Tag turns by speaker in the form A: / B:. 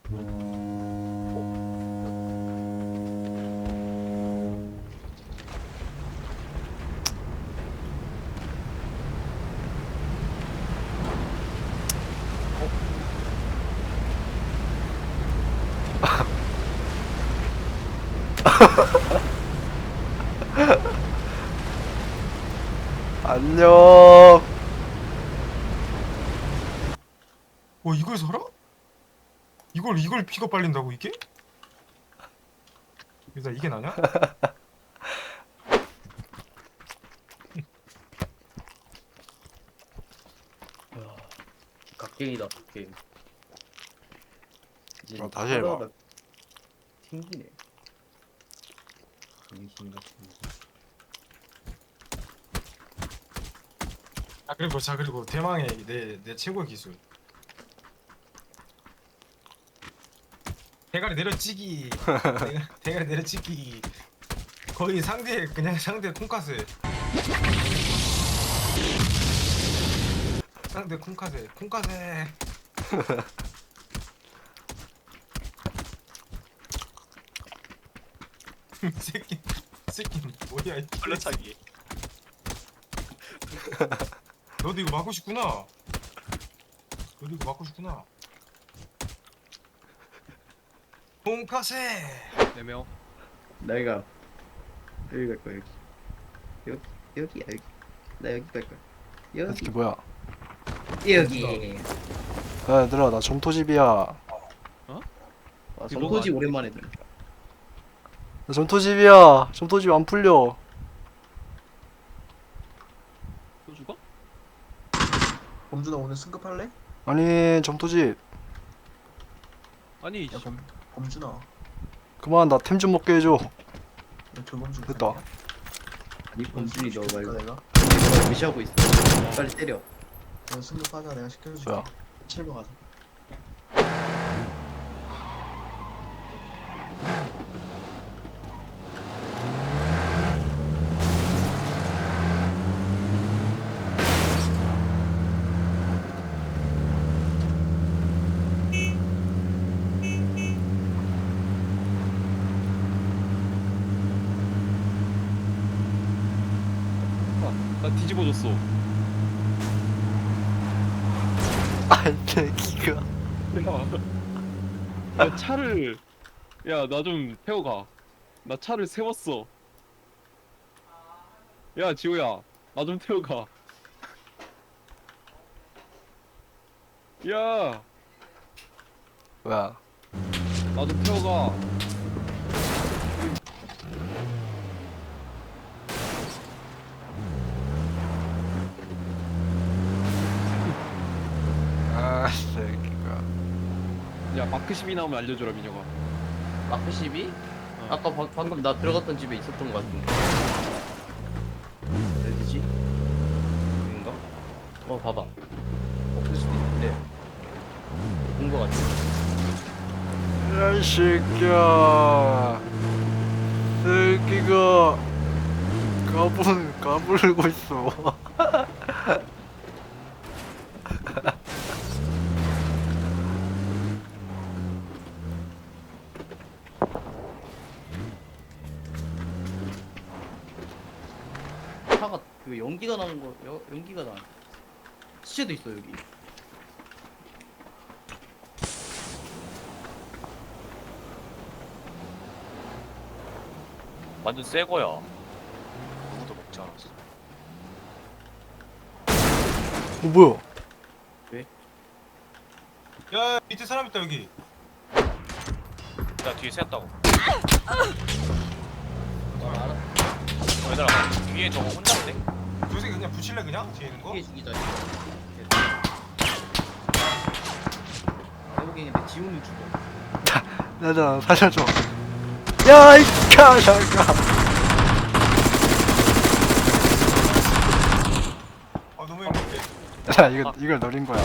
A: 안녕.
B: 이걸 살아? 이걸 피가 빨린다고 이게? 일단 이게 나냐?
C: 갓게임이다 갓게임. 이제
A: 다시 해봐.
C: 하다하다 튕기네. 정신 같은 거.
B: 그리고 대망의 내 최고의 기술. 대가리 내려치기. 대가리 내려치기. 거의 상대 콩카스. 상대 콩카스. 새끼 뭐야 이
D: 걸려차기.
B: 너도 이거 맞고 싶구나. 콩카세.
D: 4명.
C: 내가 여기 갈 거야. 여기야 여기. 나 여기 갈 거야.
A: 이게
C: 여기
A: 뭐야?
C: 여기.
A: 야, 얘들아, 나 점토집이야.
C: 아, 성토지 오랜만에 들어.
A: 나 점토집이야. 점토집 안 풀려.
D: 또 죽어?
E: 범준아 오늘 승급할래?
A: 아니, 점토집.
D: 아니
E: 야 범준아
A: 그만, 나 템 좀 먹게 해줘.
E: 너 조범준
A: 됐다.
E: 팬이야?
C: 아니 범준이 너 말고
E: 내가
C: 내가 무시하고 있어. 빨리 때려.
E: 너 승급하자 내가 시켜줄게
A: 뭐야?
E: 7번 가자
D: 나 뒤집어졌어.
A: 아이, 새끼가.
D: 야 차를 야 나 좀 태워가. 나 차를 세웠어. 야 지호야 나 좀 태워가. 야
A: 뭐야?
D: 나 좀 태워가.
A: 아, 새끼가.
D: 야 마크 10이 나오면 알려줘라 민혁아.
C: 마크 12? 아까 방금 나 들어갔던 집에 있었던 것 같은데. 어디지? 여긴가? 봐봐. 볼 수도 있는데. 본 것 같아.
A: 야, 이 새끼야. 새끼가. 까불고 있어.
C: 차가 그 연기가 나는 거 연기가 나. 시체도 있어 여기.
F: 완전 새 거야. 누구도 먹지 않았어.
A: 뭐야?
B: 야 밑에 사람 있다 여기.
F: 나 뒤에 샜다고.
C: 알아.
F: 얘들아, 위에 저거 혼자인데?
B: 저 새끼 그냥 붙일래 그냥? 뒤에 있는 거?
C: 이게 죽이자. 내보기에는 내 지훈이 죽어.
A: 나 살려줘. 야, 이 가샤가.
B: 너무 힘들게.
A: 야, 이걸 노린 거야.